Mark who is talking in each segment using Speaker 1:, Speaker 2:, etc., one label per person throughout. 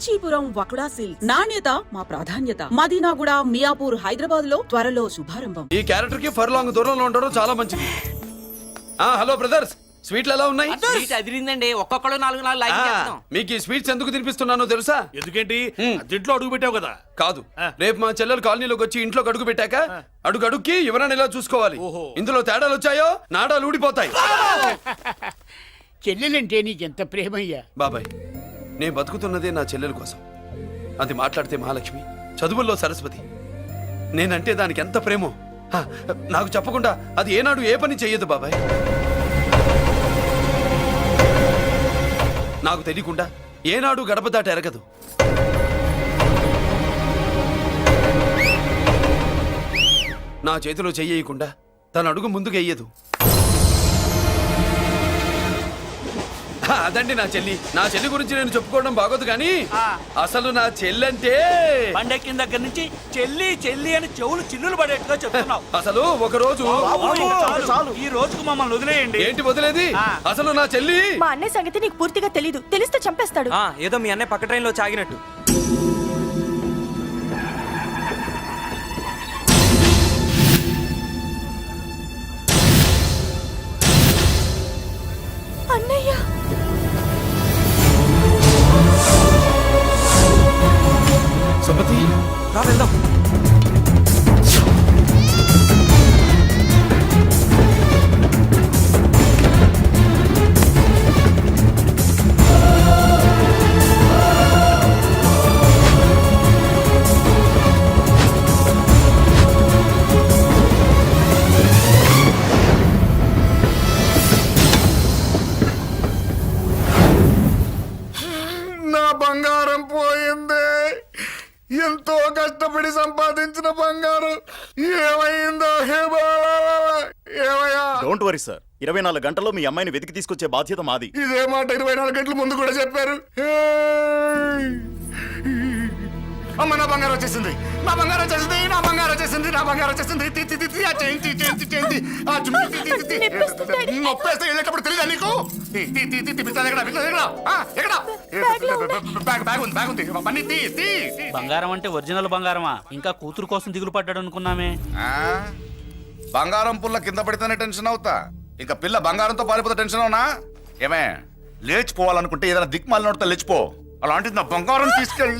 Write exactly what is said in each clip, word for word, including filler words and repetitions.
Speaker 1: Kanchipuram వకుడా silks నాణ్యత మా ప్రాధాన్యత. మదీనాగూడ, మియాపూర్, హైదరాబాద్ లో త్వరలో శుభారంభం.
Speaker 2: ఈ క్యారెక్టర్ కి ఫర్ లాంగ్ దూరంలో ఉండడం చాలా మంచిది. ఆ హలో బ్రదర్స్, స్వీట్లు ఎలా ఉన్నాయి?
Speaker 3: అదిరిందండి, ఒక్కొక్కడు నాలుగు నాలుగు లైక్ చేస్తాం.
Speaker 2: మీకు ఈ స్వీట్స్ ఎందుకు తినిపిస్తున్నానో తెలుసా?
Speaker 4: ఎందుకేంటి ఇంట్లో అడుగు పెట్టావు కదా.
Speaker 2: కాదు, రేపు మా చెల్లెలు కాలనీలోకి వచ్చి ఇంట్లో అడుగు పెట్టాక అడుగు అడుక్కి ఎవరైనా ఇలా చూసుకోవాలి. ఇందులో తేడాలు వచ్చాయో నాడాలు ఊడిపోతాయి.
Speaker 5: చెల్లెలంటే నీకెంత ప్రేమయ్యా.
Speaker 2: బాబాయ్, నేను బతుకుతున్నదే నా చెల్లెల కోసం. అది మాట్లాడితే మహాలక్ష్మి, చదువుల్లో సరస్వతి. నేనంటే దానికి ఎంత ప్రేమో హ, నాకు చెప్పకుండా అది ఏనాడు ఏ పని చెయ్యదు బాబాయ్. నాకు తెలియకుండా ఏనాడు గడప దాట ఎరగదు. నా చేతిలో చెయ్యకుండా తన అడుగు ముందుకు వెయ్యదు. అదండి నా చెల్లి. నా చెల్లి గురించి నేను చెప్పుకోవడం బాగోదు కానీ అసలు నా చెల్లంటే
Speaker 4: పండెక్కిన దగ్గర నుంచి చెల్లి చెల్లి అని చెవులు చిల్లులు పడేట్టుగా చెప్తున్నావు.
Speaker 2: అసలు ఒక రోజు
Speaker 4: ఈ రోజుకు మమ్మల్ని వదిలేయండి.
Speaker 2: ఏంటి వదిలేది? అసలు నా చెల్లి
Speaker 6: మా అన్నయ్య సంగతి నీకు పూర్తిగా తెలీదు. తెలిస్తే చంపేస్తాడు.
Speaker 3: ఏదో మీ అన్నయ్య పక్క ట్రైన్ లో చాగినట్టు.
Speaker 6: అన్నయ్య
Speaker 2: సుమతి,
Speaker 3: రా వెళ్దాం.
Speaker 7: నా బంగారం పోయింది. ఎంతో కష్టపడి సంపాదించిన బంగారం ఏమైందో? ఏమయ్యా?
Speaker 8: డోంట్ వరీ సార్, ఇరవై నాలుగు గంటల్లో మీ అమ్మాయిని వెతికి తీసుకొచ్చే బాధ్యత మాది.
Speaker 7: ఇదే మాట ఇరవై నాలుగు గంటల ముందు కూడా చెప్పారు. అమ్మ, నా బంగారం వచ్చేసింది, నా బంగారం వచ్చేసింది, నా బంగారం వచ్చేసింది, నా బంగారం వచ్చేసింది. నొప్పేస్తే వెళ్ళేటప్పుడు తెలియదా నీకు?
Speaker 4: బంగారం అంటే ఒరిజినల్ బంగారమా? ఇంకా కూతురు కోసం దిగులు పడ్డాడు అనుకున్నామే.
Speaker 7: బంగారం పుల్ల కింద పడితేనే టెన్షన్ అవుతా, ఇంకా పిల్ల బంగారంతో పారిపోతే టెన్షన్ అవునా? ఏమే, లేచిపోవాలనుకుంటే ఏదైనా దిక్మాలి నోడితే లేచిపో. అలాంటిది నా బంగారం తీసుకెళ్ళి.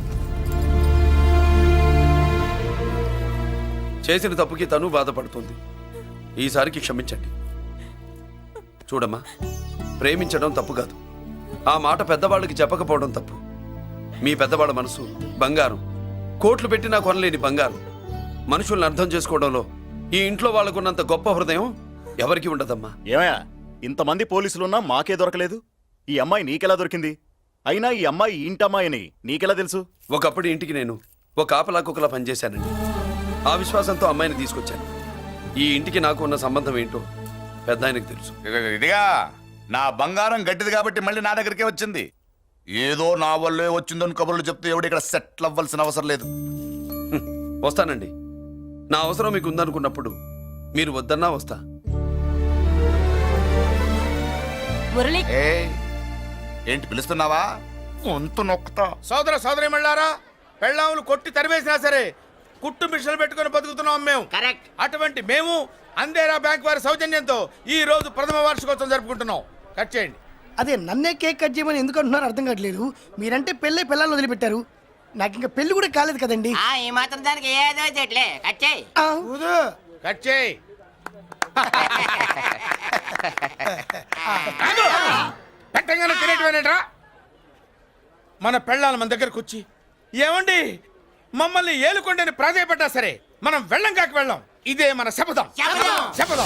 Speaker 2: చేసిన తప్పుకి తను బాధపడుతుంది. ఈసారికి క్షమించండి. చూడమ్మా, ప్రేమించడం తప్పు కాదు. ఆ మాట పెద్దవాళ్ళకి చెప్పకపోవడం తప్పు. మీ పెద్దవాళ్ళ మనసు బంగారం, కోట్లు పెట్టినా కొనలేని బంగారం. మనుషుల్ని అర్థం చేసుకోవడంలో ఈ ఇంట్లో వాళ్ళకున్నంత గొప్ప హృదయం ఎవరికి ఉండదమ్మా.
Speaker 8: ఏమయ్యా, ఇంతమంది పోలీసులున్నా మాకే దొరకలేదు. ఈ అమ్మాయి నీకెలా దొరికింది? అయినా ఈ అమ్మాయి ఇంటమ్మాయి అని నీకెలా తెలుసు?
Speaker 2: ఒకప్పుడు ఇంటికి నేను ఒక ఆపలా కుక్కలా పనిచేశానండి. ఆ విశ్వాసంతో అమ్మాయిని తీసుకొచ్చాను. ఈ ఇంటికి నాకు ఉన్న సంబంధం ఏంటో పెద్ద ఆయనకు తెలుసు.
Speaker 7: ఇదిగా నా బంగారం గట్టిది కాబట్టి మళ్ళీ నా దగ్గరికే వచ్చింది. ఏదో నా వల్లే వచ్చిందని కబుర్లు చెప్తే ఎవడు ఇక్కడ సెటిల్ అవ్వాల్సిన అవసరం లేదు.
Speaker 2: వస్తానండి. నా అవసరం మీకు ఉందనుకున్నప్పుడు మీరు వద్దన్నా వస్తా.
Speaker 7: ఏంటి పిలుస్తున్నావా? గొంతు నొక్కుతా.
Speaker 9: సోదర సోదరి మళ్ళారా, పెళ్ళాములు కొట్టి తరివేసినా సరే కుట్టు మిషన్లు పెట్టుకుని బతుకుతున్నాం మేము. కరెక్ట్. అటువంటి మేము అందేరా బ్యాంక్ వారి సౌజన్యంతో ఈ రోజు ప్రథమ వార్షికోత్సవం జరుపుకుంటున్నాం. కట్ చేయండి.
Speaker 5: అదే నన్నే కేక్ కట్ చేయమని ఎందుకు అంటున్నారు అర్థం కావట్లేదు. మీరంటే పెళ్ళై పిల్లల్ని వదిలిపెట్టారు, నాకు ఇంకా పెళ్లి కూడా కాలేదు కదండి.
Speaker 3: ఈ మాత్రం దానికి ఏదో చెట్లే కట్ చేయి.
Speaker 9: కట్ చేయి. పెట్టంగానే తినేటివేనేట్రా? మన పెళ్ళాలు మన దగ్గరకు వచ్చి ఏమండి మమ్మల్ని ఏలుకొండని ప్రాధాయపడ్డా సరే మనం వెళ్ళం కాక వెళ్ళం. ఇదే మన శపథం. శపథం.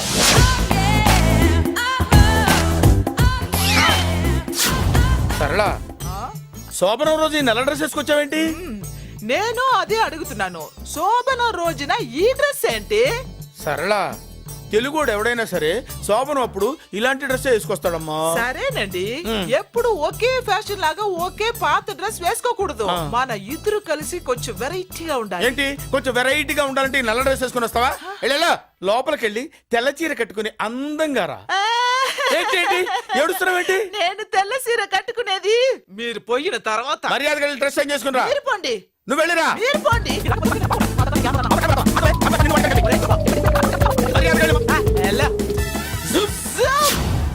Speaker 9: సరళ, శోభనం రోజు ఈ నల్ల డ్రెస్ వేసుకొచ్చావేంటి?
Speaker 10: నేను అదే అడుగుతున్నాను. శోభనం రోజున ఈ డ్రెస్ ఏంటి?
Speaker 9: సరళ, తెలుగుడు ఎవడైనా సరే శోభనం అప్పుడు ఇలాంటి డ్రెస్ వేసుకొస్తాడమ్మా.
Speaker 10: సరేనండి, ఎప్పుడు ఒకే ఫ్యాషన్ లాగా ఒకే పాత డ్రెస్ వేసుకోకూడదు. మన ఇద్దరు కలిసి కొంచెం వెరైటీగా ఉండాలి.
Speaker 9: ఏంటి కొంచెం వెరైటీగా ఉండాలంటే నల్ల డ్రెస్ వేసుకుని వస్తావా? వెళ్ళా లోపలికి వెళ్ళి తెల్ల చీర కట్టుకుని అందంగా రా.
Speaker 4: ఏంటి ఏంటి ఏడుస్తున్నావేంటి?
Speaker 10: నేను తెల్ల సీర కట్టుకునేది మీరు పోయిన తర్వాత.
Speaker 9: మర్యాదగా డ్రెస్ చేంజ్ చేసుకుని
Speaker 10: మీరు పోండి,
Speaker 9: నువ్వు వెళ్ళిరా.
Speaker 10: మీరు పోండి.
Speaker 9: మర్యాదగా వెళ్ళు.
Speaker 10: ఆ, ఎలా? జుప్, జుప్.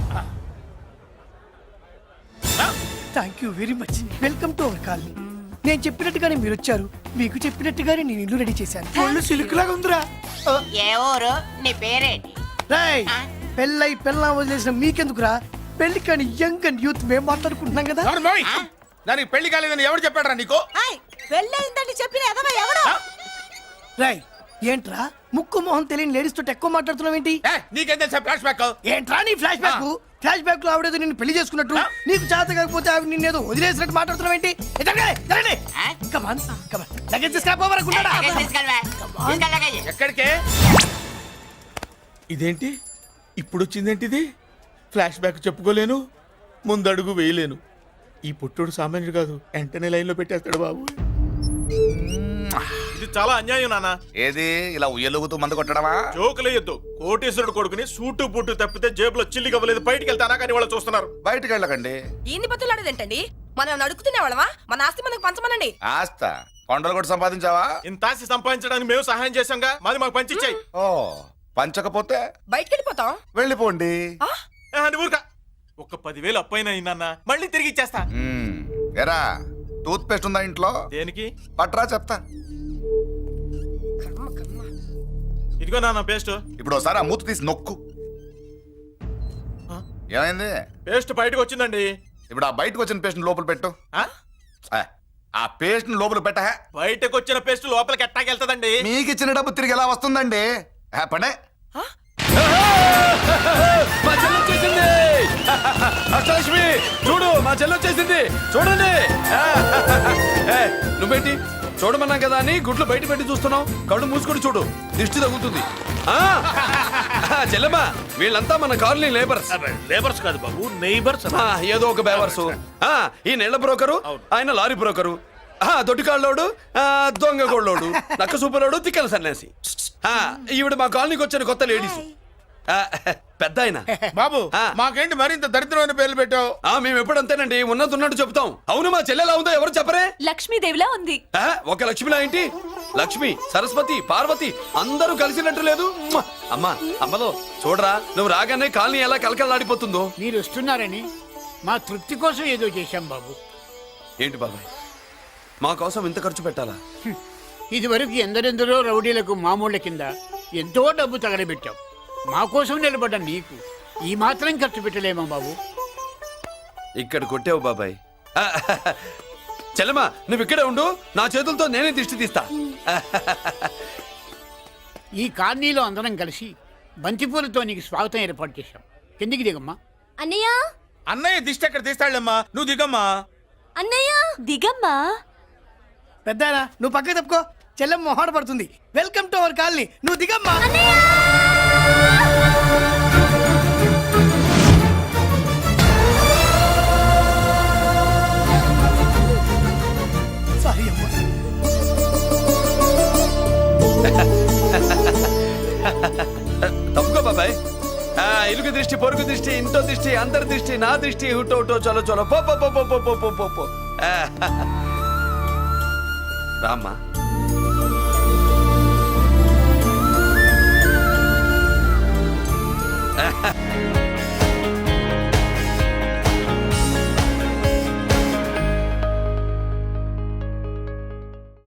Speaker 5: Thank you very much. Welcome to our colony. నేను చెప్పినట్టుగానే మీరు వచ్చారు, మీకు చెప్పినట్టుగానే నేను ఇల్లు రెడీ చేశాను. ఒళ్ళు సిల్క్ లాగా ఉందిరా. ఆ,
Speaker 3: ఏ ఊరు నీ పేరేంటి?
Speaker 5: రేయ్, పెళ్ళై పెళ్ళా వదిలేసిన మీకెందుకురా? పెళ్లి కాని యంగ్ అండ్ యూత్ మేము మాట్లాడుకుంటున్నాం కదా.
Speaker 9: అవును మోయ్. దానికి పెళ్లి కాలేదని ఎవరు చెప్పాడరా నీకు?
Speaker 6: పెళ్ళయిందని చెప్పిన ఎదవ ఎవడు?
Speaker 5: రాయ్, ఏంట్రా ముక్కు మొహం తెలియని లేడీస్ తోటి ఎక్కువ మాట్లాడుతున్నావు ఏంటి?
Speaker 9: ఏ, నీకేం తెలుసా ఫ్లాష్ బ్యాక్?
Speaker 5: ఏంట్రా నీ ఫ్లాష్ బ్యాక్? ఫ్లాష్ బ్యాక్ లో ఆవిడేదో నిన్ను పెళ్లి చేసుకున్నట్టు, నీకు చేత కాకపోతే ఆవిడ నిన్నేదో వదిలేసినట్టు మాట్లాడుతున్నావు ఏంటి?
Speaker 3: ఆ?
Speaker 5: కమాన్ కమాన్, లగేజ్ తీసుకురాపోవరకుంటాడా?
Speaker 3: లగేజ్ తీసుకెళ్ళవా? తీసుకెళ్ళ లగేజ్.
Speaker 9: ఎక్కడికే? ఇదేంటి ఇప్పుడు వచ్చిందేంటి ఇది? ఫ్లాష్ బ్యాక్ చెప్పుకోలేను, ముందడుగు వేయలేను. ఈ పుట్టుడు సామాన్యుడు కాదు, వెంటనే లైన్ లో పెట్టేస్తాడు బాబు.
Speaker 8: ఇది చాలా అన్యాయం నాన్న.
Speaker 7: ఏది ఇలా ఉయ్యలుగుతూ మందు కొట్టడమా?
Speaker 8: జోకులేయొద్దు. కోటేశ్వరుడు కొడుకుని సూటు బూటు తప్పితే జేబులో చిల్లి కవ్వలేదు, బయటికి వెళ్తానా కానీ వాళ్ళు చూస్తున్నారు.
Speaker 7: బయటికి వెళ్ళకండి.
Speaker 6: ఈయన్ని బతులాడేదేంటండి? మనం నడుకుతున్న వాళ్ళమా? మన ఆస్తి మనకు పంచమనండి.
Speaker 7: ఆస్త కొండలు కూడా సంపాదించావా?
Speaker 8: ఇంత ఆస్తి సంపాదించడానికి మేము సహాయం చేశాంగా, మాది మాకు పంచిచ్చాయి.
Speaker 7: ఓ, పంచకపోతే
Speaker 6: బయటికి వెళ్ళిపోతాం.
Speaker 7: వెళ్ళిపోండి.
Speaker 8: అని ఊరుక. ఒక పదివేలు అప్పైనా నాన్న, మళ్ళీ తిరిగి ఇచ్చేస్తా.
Speaker 7: మ్మ్. ఎరా, టూత్ పేస్ట్ ఉందా ఇంట్లో?
Speaker 8: దేనికి?
Speaker 7: పట్రా చెప్తా.
Speaker 8: ఇదిగో నాన్న పేస్ట్.
Speaker 7: ఇప్పుడు ఒకసారి ఆ మూత తీసి నొక్కు. ఏమైంది?
Speaker 8: పేస్ట్ బయటకు వచ్చిందండి.
Speaker 7: ఇప్పుడు ఆ బయటకు వచ్చిన పేస్ట్ లోపల పెట్టు.
Speaker 8: ఆ?
Speaker 7: ఆ, ఆ పేస్ట్ లోపల పెట్ట.
Speaker 8: బయటకు వచ్చిన పేస్ట్ లోపలికి ఎట్టాకెళ్తదండి?
Speaker 7: మీకు ఇచ్చిన డబ్బు తిరిగి ఎలా వస్తుందండి? ఆ, పనే.
Speaker 2: మా చెల్లి వచ్చేసింది. అష్టలక్ష్మి చూడు, మా చెల్లి వచ్చేసింది చూడండి. ఏ, నువ్వేంటి చూడమన్నా కదా అని గుడ్లు బయట పెట్టి చూస్తున్నావు? కళ్ళు మూసుకొని చూడు, దిష్టి తగ్గుతుంది. ఆ, చెల్లెమ్మా, వీళ్ళంతా మన కాలనీ లేబర్స్.
Speaker 4: లేబర్స్ కాదు బాబు, నైబర్స్.
Speaker 2: ఆ, ఏదో ఒక బేవర్సు. ఆ, ఈ నెల బ్రోకరు, ఆయన లారీ బ్రోకరు, ఆ, దొడ్డికాళ్ళోడు, ఆ, దొంగ గోళ్ళోడు, నక్క సూపరోడు, తిక్కల సన్యాసి. ఆ, ఈవిడ మా కాలనీకి వచ్చిన కొత్త లేడీస్. ఆ, పెద్ద ఆయన.
Speaker 9: బాబు
Speaker 2: ఆ.
Speaker 9: మాకేంటి మరింత దరిద్రమైన పేర్లు పెట్టావు?
Speaker 2: ఆ, మేము ఎప్పుడంతేనండి, ఉన్నది ఉన్నట్టు చెప్తాం. అవును, మా చెల్లెలా ఉందో ఎవరు చెప్పరే?
Speaker 6: లక్ష్మీదేవిలా ఉంది.
Speaker 2: ఆ, ఒక లక్ష్మిలా ఏంటి? లక్ష్మి, సరస్వతి, పార్వతి అందరూ కలిసినట్టు లేదు. మ్మ! అమ్మా, అమ్మలో చూడరా, నువ్వు రాగానే కాలనీ ఎలా కలకలాడిపోతుందో.
Speaker 11: మీరు వస్తున్నారని మా తృప్తి కోసం ఏదో చేశాం బాబు.
Speaker 2: ఏంటి బాబాయ్, మా కోసం ఇంత ఖర్చు పెట్టాలా?
Speaker 11: ఇదివరకు ఎందరెందరో రౌడీలకు మామూళ్ళ కింద ఎంతో డబ్బు తగలబెట్టాం. మా కోసం నిలబడ్డ నీకు ఈ మాత్రం ఖర్చు పెట్టలేమా బాబు?
Speaker 2: ఇక్కడ కొట్టావు బాబాయ్. ఆ, చెల్లెమ్మా, నువ్వు ఇక్కడే ఉండు, నా చేతులతో నేనే దిష్టి తీస్తా.
Speaker 11: ఈ కాలనీలో అందరం కలిసి బంతిపూలతో నీకు స్వాగతం ఏర్పాటు చేశాం. కిందికి దిగమ్మా.
Speaker 6: అన్నయ్య,
Speaker 9: అన్నయ్య దిష్టి ఎక్కడ తీస్తాడమ్మా, నువ్వు దిగమ్మా.
Speaker 6: అన్నయ్య దిగమ్మా.
Speaker 5: పెద్దారా, నువ్వు పక్కకి తప్పుకో, చెల్లెమ్మ మొహాట పడుతుంది. వెల్కమ్ టు అవర్ కాలనీ, నువ్వు దిగమ్మా. సారీ అమ్మా.
Speaker 2: తప్పుకో బాబాయ్. ఆ, ఇరుగు దృష్టి, పొరుగు దృష్టి, ఇంటో దృష్టి, అందరి దృష్టి, నా దృష్టి, హుటో హుటో, చలో చలో, పో పో పో పో పో పో పో పో పో. ఆ, రామ్మా.